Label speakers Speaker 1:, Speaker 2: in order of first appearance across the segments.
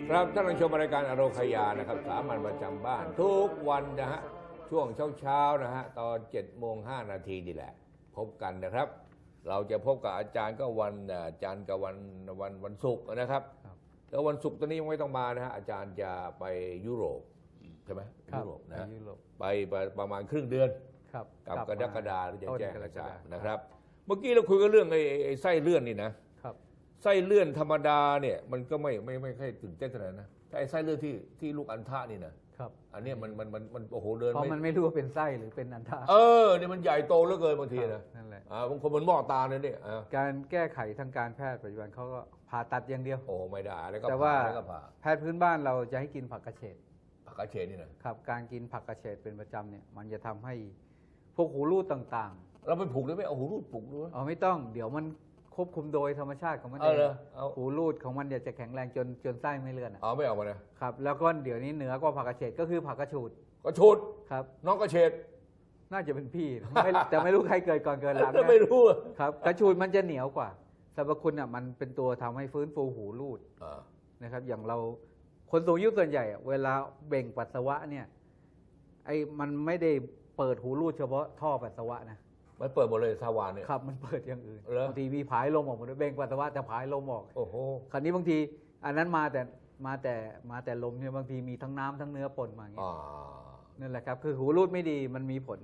Speaker 1: ครับท่านผู้ชมรายการอโรคยานะครับสามัญประจำบ้านทุกวันนะฮะช่วงเช้านะฮะตอน7:05นี่แหละพบกันนะครับเราจะพบกับอาจารย์ก็วันจันทร์กับวันศุกร์นะครับแล้ววันศุกร์ตอนนี้ยังไม่ต้องมานะฮะอาจารย์จะไปยุโรปใช่ไหมยุโรปนะไปประมาณครึ่งเดือนกับกรกฎาคมจะแจ้งอาจารย์นะครับเมื่อกี้เราคุยกันเรื่องไอ้ไส้เลื่อนนี่นะไส้เลื่อนธรรมดาเนี่ยมันก็ไม่ค่อยตื่นเต้นเท่าไหร่นะแต่ไอ้ไส้เลื่อนที่ลูกอัณฑะนี่นะครับอันนี้มันโอ้โหเดิน
Speaker 2: เพราะมันไม่รู้ว่าเป็นไส้หรือเป็นอัณฑะ
Speaker 1: เนี่ยมันใหญ่โตเหลือเกินบางทีนะ
Speaker 2: นั่นแหละ
Speaker 1: บางคนมันหม้อตาเนี่ย
Speaker 2: การแก้ไขทางการแพทย์ปัจจุบันเขาก็ผ่าตัดอย่างเดียว
Speaker 1: โอ้ไม่ได้แล้วก็
Speaker 2: แต่ว่าแพทย์พื้นบ้านเราจะให้กินผักกระเฉด
Speaker 1: นี่นะครับ
Speaker 2: การกินผักกระเฉดเป็นประจำเนี่ยมันจะทำให้พวกหูรูดต่าง
Speaker 1: ๆเราไปผูกได้ไหมเอาหูรูดผูกด้วย
Speaker 2: ไม่ต้องเดี๋ยวมันควบคุมโดยธรรมชาติของมันเองหูรูดของมันจะแข็งแรงจนไส้ไม่เลื่อน
Speaker 1: ไม่ออกมานะครับ
Speaker 2: แล้วก็เดี๋ยวนี้เหนือกว่าผักกระเฉดก็คือผักกระฉูดครับ
Speaker 1: น้องกระเฉด
Speaker 2: น่าจะเป็นพี่แต่ไม่รู้ใครเกิดก่อนเกิดหลัง
Speaker 1: ไม่รู้
Speaker 2: ครับกระฉูดมันจะเหนียวกว่าสรรพคุณมันเป็นตัวทำให้ฟื้นฟูหูรูดนะครับอย่างเราคนสูงอายุส่วนใหญ่เวลาเบ่งปัสสาวะเนี่ยมันไม่ได้เปิดหูรูดเฉพาะท่อปัสสาวะนะ
Speaker 1: มันเปิดหมดเลยทวารเนี่ย
Speaker 2: ครับมันเปิดอย่างอื่นบางทีมีผายลมออกหมดเบ่งปัสสาวะแต่ผายลมออก
Speaker 1: โอ้โห
Speaker 2: คราวนี้บางทีอันนั้นมาแต่ลมเนี่ยบางทีมีทั้งน้ำทั้งเนื้อปนมาอย่างเงี้ยนั่นแหละครับคือหูรูดไม่ดีมันมีผล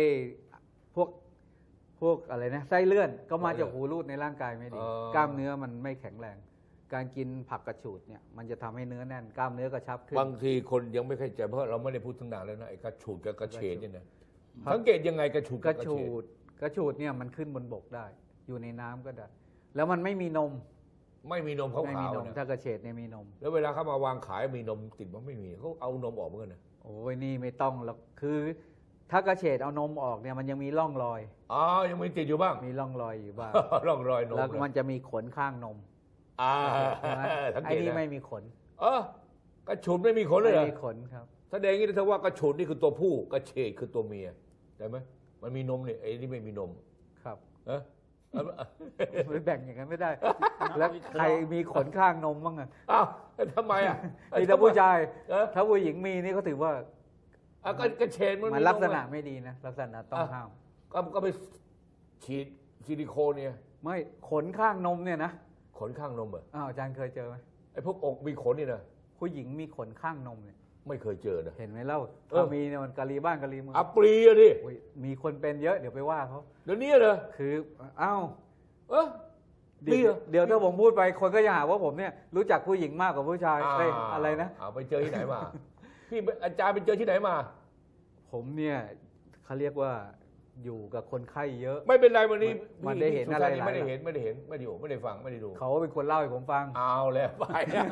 Speaker 2: พวกอะไรนะไส้เลื่อนก็มาจากหูรูดในร่างกายไม่ดีกล้ามเนื้อมันไม่แข็งแรงการกินผักกระฉูดเนี่ยมันจะทำให้เนื้อแน่นกล้ามเนื้อกระชับขึ้น
Speaker 1: บางทีคนยังไม่เข้าใจเพราะเราไม่ได้พูดทั้งนานแล้วนะไอ้กระฉูดกับกระเฉดเนี่ยนะสังเกตยังไงกระฉู
Speaker 2: ดเนี่ยมันขึ้นบนบกได้อยู่ในน้ำก็ได้แล้วมันไม่มีนม
Speaker 1: ขาวๆนะ
Speaker 2: ถ้ากระเฉดเนี่ยมีนม
Speaker 1: แล้วเวลาเขามาวางขายมีนมติดมันไม่มีเขาเอานมออกเหมือนกันนะ
Speaker 2: โอ้ยนี่ไม่ต้องหรอกคือถ้ากระเฉดเอานมออกเนี่ยมันยังมีร่องรอย
Speaker 1: ยังมีติดอยู่บ้าง
Speaker 2: มีร่องรอยอยู่บ้าง
Speaker 1: ร่องรอยนม
Speaker 2: แล้วมันจะมีขนข้างนมไอ้นี่ไม่มีขน
Speaker 1: กระฉูดไม่มีขนเลยเหรอ
Speaker 2: ไม่มีขนครับ
Speaker 1: แสดงอย่างนี้ถ้าว่ากระฉูดนี่คือตัวผู้กระเฉดคือตัวเมียได้ไหมมันมีนมเนี่ยไอ้นี่ไม่มีนม
Speaker 2: ครับไม่แบ่งอย่างนั้นไม่ได้แล้วใครมีขนข้างนมบ้าง
Speaker 1: ทำไม
Speaker 2: มีแต่ผู้ชายถ้าผู้หญิงมีนี่เขาถือว่าก
Speaker 1: ระเฉด
Speaker 2: มันลักษณะไม่ดีนะลักษณะต้องห้าม
Speaker 1: ก็ไปฉีดซิลิโคนเนี่ย
Speaker 2: ไม่ขนข้างนมเนี่ยนะ
Speaker 1: ขนข้างนมเหรอ
Speaker 2: อาจารย์เคยเจอไหม
Speaker 1: ไอ้พวกอกมีขนนี่นะ
Speaker 2: ผู้หญิงมีขนข้างนมเนี่ย
Speaker 1: ไม่เคยเจอนะ
Speaker 2: เห็นไหมเล่าถ้ามีเนี่ยมันกะลีบ้านกะลีเมือง
Speaker 1: ปรีอะดิ
Speaker 2: มีคนเป็นเยอะเดี๋ยวไปว่าเขา
Speaker 1: เดี๋ยวนี้เหรอ
Speaker 2: คือเดี๋ยวถ้าผมพูดไปคนก็จะหาว่าผมเนี่ยรู้จักผู้หญิงมากกว่าผู้ชายอะไรนะ
Speaker 1: ไปเจอที่ไหนมาพี่อาจารย์ไปเจอที่ไหนมา
Speaker 2: ผมเนี่ยเขาเรียกว่าอยู่กับคนไข้เยอะ
Speaker 1: ไม่เป็นไรวันนี้
Speaker 2: มันได้เห็นอะไร
Speaker 1: ไม่ได้เห็นไม่ได้ฟังไม่ได้ดู
Speaker 2: เขาเป็นคนเล่าให้ผมฟัง
Speaker 1: เอาแล้วไป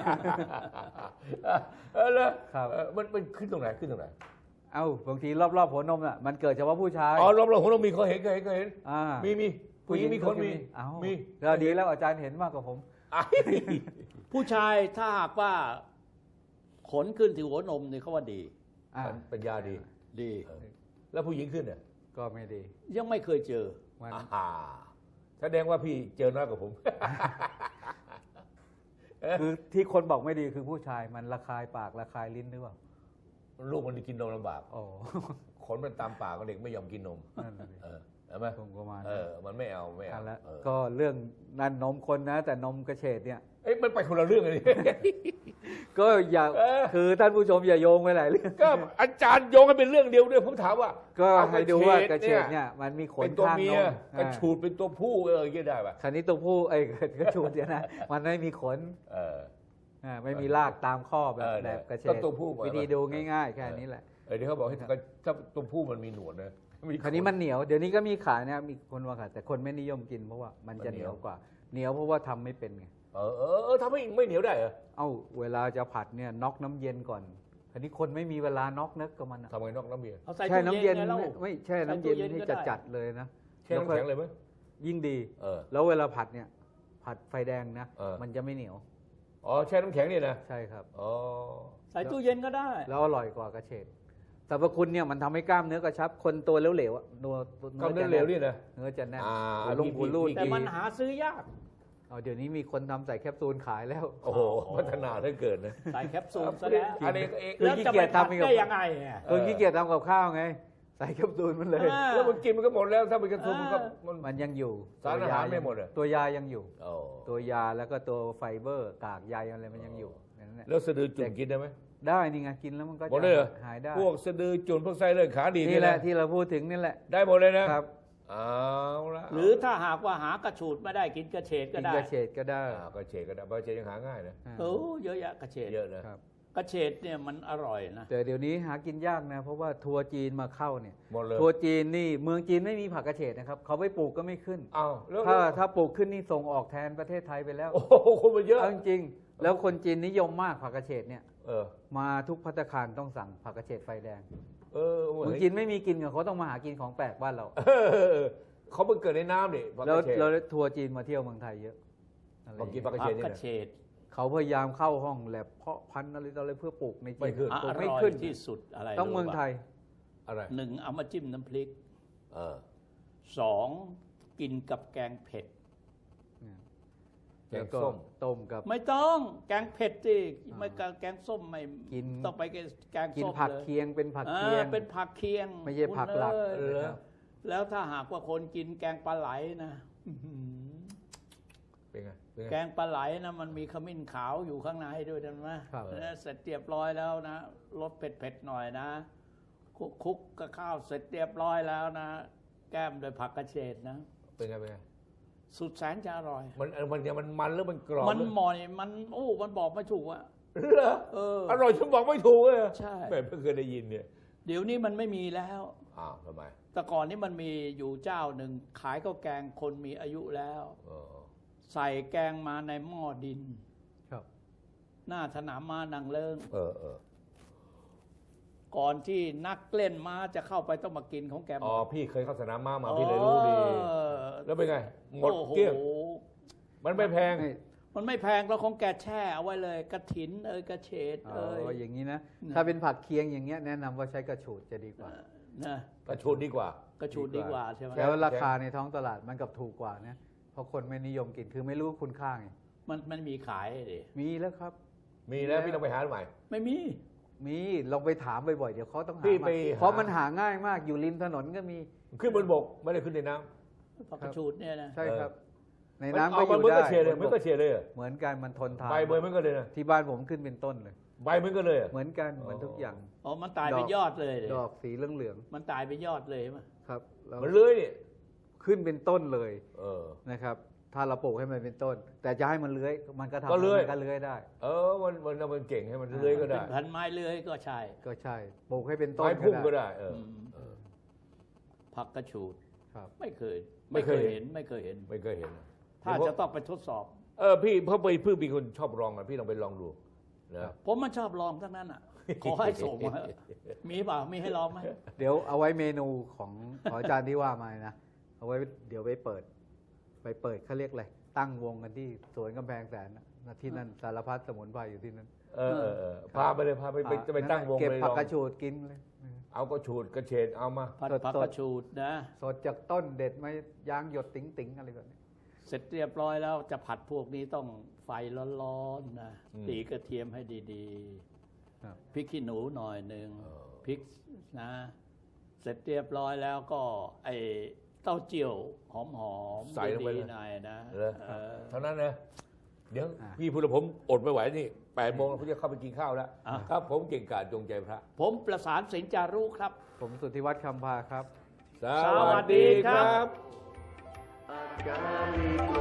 Speaker 1: แล้วมันขึ้นตรงไหน
Speaker 2: บางทีรอบหัวนมน่ะมันเกิดเฉพาะผู้ชาย
Speaker 1: รอบหัวนมมีเขาเห็นมีผู้หญิงมีคนมี
Speaker 2: แล้วดีแล้วอาจารย์เห็นมากกว่าผม
Speaker 3: ผู้ชายถ้าหากว่าขนขึ้นที่หัวนมนี่เขาว่าดี
Speaker 1: เป็นยาดีแล้วผู้หญิงขึ้นเนี่ย
Speaker 2: ก็ไม่ดี
Speaker 3: ยังไม่เคยเจอ
Speaker 1: แสดงว่าพี่เจอน้อยกว่าผม
Speaker 2: คือที่คนบอกไม่ดีคือผู้ชายมันระคายปากระคายลิ้นหรือเปล่า
Speaker 1: ลูกมันกินนมลำบากขนมันตามปากเด็กไม่ยอมกินนมใช่ไหมมันไม่เอา
Speaker 2: แล้วก็เรื่องนั่นนมคนนะแต่นมกระเฉดเนี่ย
Speaker 1: มันไปคนละเรื่องเลย
Speaker 2: ก็อย่าคือท่านผู้ชมอย่าโยงไปหลายเรื่อง
Speaker 1: ก็อาจารย์โยงให้เป็นเรื่องเดียวด้วยผมถามว่า
Speaker 2: ก็ให้ดูว่ากระเฉดเนี่ยมันมีขนข้างนม
Speaker 1: กระฉูดเป็นตัวผู้ก็ได้ป่ะ
Speaker 2: คันนี้ตัวผู้กระฉูดเนี่ยนะมันไม่มีขนไม่มีรากตามข้อแบบกระเฉดวิธีดูง่ายๆแค่นี้แหละ
Speaker 1: เดี๋ยวเขาบอกให้ถ้าตัวผู้มันมีหนวดนะ
Speaker 2: คราวนี้มันเหนียวเดี๋ยวนี้ก็มีขายนะมีคนว่าขายแต่คนไม่นิยมกินเพราะว่ามันจะเหนียวกว่าเหนียวเพราะว่าทำไม่เป็นไง
Speaker 1: ทำไม่เหนียวได้เหรอ
Speaker 2: เวลาจะผัดเนี่ยน็อกน้ำเย็นก่อนคราวนี้คนไม่มีเวลาน็อกนึกกับมัน
Speaker 1: ทำไงน็อกน้ำเย็น
Speaker 2: แช่น้ำเย็นไม่แช่น้ำเย็นที่จะจัดเลยนะ
Speaker 1: แช่น้ำแข็งเลยไหม
Speaker 2: ยิ่งดีแล้วเวลาผัดเนี่ยผัดไฟแดงนะมันจะไม่เหนียว
Speaker 1: แช่น้ำแข็งนี่นะ
Speaker 2: ใช่ครับ
Speaker 3: ใส่ตู้เย็นก็ได้
Speaker 2: แล้วอร่อยกว่ากระเฉดสรรพคุณเนี่ยมันทำให้กล้ามเนื้อกระชับคนตัวเหลวๆ
Speaker 1: กล้ามเนื้อเหลวนี่นะ
Speaker 2: เนื้อจะแน่น
Speaker 1: ลงหูรูด
Speaker 3: แต่มันหาซื้อยาก
Speaker 2: เอาเดี๋ยวนี้มีคนทำใส่แคปซูลขายแล้ว
Speaker 1: โอ้โหพัฒนาได้เกิดนะ
Speaker 3: ใส่แคปซูลซะแล้ว
Speaker 1: อันนี้ก็เอง
Speaker 3: แล้วจะไปทำได้ยังไงอะ
Speaker 2: คนขี้เกียจทำกับข้าวไง ใส่แคปซูลมันเลย
Speaker 1: แล้วมันกินมันก็หมดแล้วถ้าเป็นกระทุนมันก็มัน
Speaker 2: มันยังอยู่
Speaker 1: สารอาหารไม่หมดเหรอ
Speaker 2: ตัวยายังอยู่
Speaker 1: โอ้
Speaker 2: ตัวยาแล้วก็ตัวไฟเบอร์กากใยอะไรมันยังอยู่นั่นแหละ
Speaker 1: แล้วสะดือจุ่นกินได้ไหม
Speaker 2: ได้นี่ไงกินแล้วมันก็
Speaker 1: หมดเลยเหรอ
Speaker 2: หายได้
Speaker 1: พวกสะดือจุ่นพวกไส้เลื่อนขาดี
Speaker 2: นี่แหละ
Speaker 1: นะ
Speaker 2: ที่เราพูดถึงนี่แหละ
Speaker 1: ได้หมดเลยนะครับ เอาละ
Speaker 3: หรือถ้าหากว่าหากระฉูดไม่ได้กินกระเฉดก็
Speaker 2: กิน
Speaker 3: ได้
Speaker 2: กระเฉดก็ได้
Speaker 1: ก็เฉดก็ได้เพราะเฉดยังหาง่ายนะ
Speaker 3: โอ้เยอะแยะกระเฉด
Speaker 1: เยอะนะครับ
Speaker 3: กระเฉดเนี่ยมันอร่อยนะ
Speaker 2: แต่เดี๋ยวนี้หากินยากนะ เพราะว่าทัวร์จีนมาเข้าเนี่ย
Speaker 1: หมดเลย
Speaker 2: ทัวร์จีนนี่เมืองจีนไม่มีผักกระเฉดนะครับเขาไปปลูกก็ไม่ขึ้น
Speaker 1: อ้าวแล้ว
Speaker 2: ถ้าปลูกขึ้นนี่ส่งออกแทนประเทศไทยไปแล้ว
Speaker 1: โอ้โหคนมันเยอะ
Speaker 2: เอาจริงๆแล้วคนจีนนิยมมากผักกระเฉดเนี่ย
Speaker 1: เออ
Speaker 2: มาทุกภัตตาคารต้องสั่งผักกระเฉดไฟแดง
Speaker 1: เออ
Speaker 2: เมืองจีนไม่มีกินกับเขาต้องมาหากินของแปลกบ้านเรา
Speaker 1: เขาเพิ่งเกิดในน้ำดิผักก
Speaker 2: แล้ว
Speaker 1: ระเฉด
Speaker 2: แล้วทัวร์จีนมาเที่ยวเมืองไทยเยอะอะไร
Speaker 1: บอกกิน
Speaker 2: อย่าง
Speaker 1: ผัก
Speaker 2: เงี้ย
Speaker 1: กระเฉดนี่
Speaker 3: กระ
Speaker 1: นะ
Speaker 3: เฉด
Speaker 2: เขาพยายามเข้าห้องแลบเพาะพันธุ์อะไรต่ออะไรเพื่อปลูกในจี
Speaker 1: ไม่ขึ้น
Speaker 2: ปลู
Speaker 3: อก
Speaker 2: ไม่
Speaker 3: ร่อย
Speaker 2: ขึ้น
Speaker 3: ที่สุดอะไร
Speaker 2: ต้องเมืองไทย
Speaker 1: อะไร
Speaker 3: หนึ่งเอามาจิ้มน้ำพริก
Speaker 1: เออ
Speaker 3: สองกินกับแกงเผ็ด
Speaker 1: แกงส้ม
Speaker 2: ต้มกับ
Speaker 3: ไม่ต้องแกงเผ็ดสิไม่แกงส้มไม่
Speaker 2: กิน
Speaker 3: ต้องไปแกง
Speaker 2: กิน
Speaker 3: ส้ม
Speaker 2: ผัก
Speaker 3: เลย
Speaker 2: เคียงเป็นผักเคียง
Speaker 3: เป็นผักเคียง
Speaker 2: ไม่ใช่ผักหลัก
Speaker 3: คุณเอ้ย
Speaker 1: เหรอ
Speaker 3: แล้วถ้าหากว่าคนกินแกงปลาไหลนะอื้อหือ
Speaker 1: เป็นไงเป็นไง
Speaker 3: แกงปลาไหลนะมันมีขมิ้นขาวอยู่ข้างในด้วยนะ
Speaker 2: ครับ
Speaker 3: เสร็จเรียบร้อยแล้วนะรสเผ็ดๆหน่อยนะคุกกับข้าวเสร็จเรียบร้อยแล้วนะ แก้มด้วยผักกระเฉดนะ
Speaker 1: เป็นไงเป็นไง
Speaker 3: สุดแสนจะอร่อย
Speaker 1: มันหรือมันกรอบ
Speaker 3: มัน
Speaker 1: หรือ
Speaker 3: หมอยมันมันบอกไม่ถูกอะ
Speaker 1: เหรอ
Speaker 3: อ
Speaker 1: ร่อยฉันบอกไม่ถูกเลย
Speaker 3: ใช่
Speaker 1: แม่เพิ่งเคยได้ยินเนี่ย
Speaker 3: เดี๋ยวนี้มันไม่มีแล้ว
Speaker 1: อ้าวทำไม
Speaker 3: แต่ก่อนนี้มันมีอยู่เจ้าหนึ่งขายข้าวแกงคนมีอายุแล้ว
Speaker 1: เออ
Speaker 3: ใส่แกงมาในหม้อดิน
Speaker 2: ครับ
Speaker 3: หน้าสนามม้านางเลิง
Speaker 1: เออ
Speaker 3: ก่อนที่นักเล่นม้าจะเข้าไปต้องมากินของแกหม
Speaker 1: อ๋อ
Speaker 3: ด
Speaker 1: พี่เคยเข้าสนามม้ามาพี่เลยรู้ดี แล้วเป็นไง หมด
Speaker 3: โอ้โ
Speaker 1: เกลี้ยง มันไม่แพง
Speaker 2: นี่
Speaker 3: มันไม่แพงแล้วของแกแช่เอาไว้เลยกระถินกระเฉด
Speaker 2: อ๋อ
Speaker 3: ย
Speaker 2: อย่างนี้นะ
Speaker 3: นะ
Speaker 2: ถ้าเป็นผักเคียงอย่างเงี้ยแนะนำว่าใช้กระฉูดจะดีกว่า
Speaker 3: นะ
Speaker 1: กระชูดดีกว่า
Speaker 3: กระชูดดีกว่าใช่ไหม
Speaker 2: แล้วราคาในท้องตลาดมันกับถูกกว่านะเพราะคนไม่นิยมกินคือไม่รู้คุณค่าไง
Speaker 3: มันมีขายดิ
Speaker 2: มีแล้วครับ
Speaker 1: มีแล้วพี่ต้องไปหาใหม่
Speaker 3: ไม่มี
Speaker 2: มีลองไปถามบ่อยๆเดี๋ยวเขาต้องหา
Speaker 1: พี่
Speaker 2: มา
Speaker 1: ไป
Speaker 2: เพราะมันหาง่ายมากอยู่ริมถนนก็มี
Speaker 1: ขึ้นบนบกไม่ได้ขึ้นในน้ำ
Speaker 3: ผักกระชูดเนี่ยนะ
Speaker 2: ใช่ครับ ใน
Speaker 1: มั
Speaker 2: น้ำ
Speaker 1: เอา
Speaker 2: ก็อ
Speaker 1: มัน
Speaker 2: ยู่
Speaker 1: เหมือน
Speaker 2: ได้
Speaker 1: กระเฉดเลยเหมือนกระเฉดเลยเหรอ
Speaker 2: เหมือนกันมันทนทาน
Speaker 1: ใบเหมือนกันเลยนะ
Speaker 2: ที่บ้านผมขึ้นเป็นต้นเลย
Speaker 1: ใบเหมือนกันเลยเหรอ
Speaker 2: เหมือนกันเหมือนทุกอย่าง
Speaker 3: อ๋อมันตายเป็นยอดเลยดิ
Speaker 2: ดอกสีเหลือง
Speaker 3: มันตายเป็นยอดเลยมั้ย
Speaker 2: ๆครับแล้ว
Speaker 1: มันเลื้อยนี่
Speaker 2: ขึ้นเป็นต้นเลย
Speaker 1: เออ
Speaker 2: นะครับ ถ้าเราปลูกให้มันเป็นต้น แต่จะให้มันเลื้อยมันก็ทำ
Speaker 1: ก็เลื้อย
Speaker 2: มันก็เลื้อยได้
Speaker 1: มันเก่งให้มันเลื้อยก็
Speaker 3: เป็
Speaker 1: ได้
Speaker 3: นพันไม้เลื้อยก็ใช่
Speaker 2: ก็ใช่ปลูกให้เป็นต้น
Speaker 1: ไม้พุ่งก็ได้ เออ
Speaker 3: มผักกระชูด
Speaker 2: ครับ
Speaker 3: ไม่เคย
Speaker 1: ไม่เคยเห็น
Speaker 3: ไม่เคยเห็น
Speaker 1: ไม่เคยเห็น
Speaker 3: ถ้าจะต้องไปทดสอบ
Speaker 1: พี่เพราะไปเพิ่งมีคนชอบลองอ่ะพี่ลองไปลองดูนะ
Speaker 3: ผมมันชอบลองทั้งนั้นอ่ะ ขอให้ส่งมามีเปล่ามีให้ลองไหม
Speaker 2: เดี๋ยวเอาไว้เมนูของอาจารย์ที่ว่ามานะเอาไว้เดี๋ยวไปเปิดเขาเรียกอะไรตั้งวงกันที่สวนกำแพงแสนนะที่นั่นสารพัดสมุนไพรอยู่ที่นั่น
Speaker 1: พาไปเลยพาไปจะไปตั้งวง
Speaker 2: เก็บ
Speaker 1: เลย
Speaker 2: ผั
Speaker 1: ล
Speaker 2: ก
Speaker 1: อง
Speaker 2: กระชูดกินเลย
Speaker 1: เอาก็ฉูดกระเฉดเอามา
Speaker 3: ผัด
Speaker 2: สดๆ
Speaker 3: ผักกระชูดนะ
Speaker 2: สดจากต้นเด็ดไม่ยางหยดติ๋งๆอะไรแบบนี้
Speaker 3: เสร็จเรียบร้อยแล้วจะผัดพวกนี้ต้องไฟร้อนๆนะตีกระเทียมให้ดี
Speaker 2: ครับ
Speaker 3: ๆพริกขี้หนูหน่อยหนึ่งพริกนะ เสร็จเรียบร้อยแล้วก็ไอเต้าเจี้ยวหอมๆ
Speaker 1: ใส่ลงไป
Speaker 3: ดี
Speaker 1: เลย
Speaker 3: ๆหน่อยนะ
Speaker 1: เหรอ
Speaker 3: เออ
Speaker 1: เท่านั้นนะเดี๋ยวพี่พูดแล้วผมอดไม่ไหวนี่8 โมงผมจะเข้าไปกินข้าวแล้วครับผมเก่งกาจจงใจพระ
Speaker 3: ผมประสานสินจารุครับ
Speaker 2: ผมสุทธิวัฒน์คำพาครับ
Speaker 1: สวัสดีครับ
Speaker 4: Agamito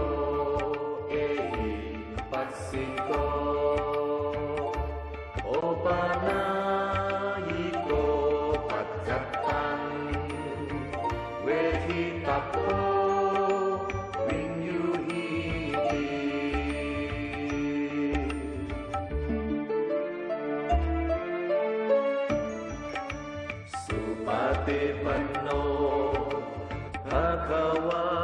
Speaker 4: Passito Opanayiko Pajatan Vehitapo Vinyuhiti Supati Panno Bhagava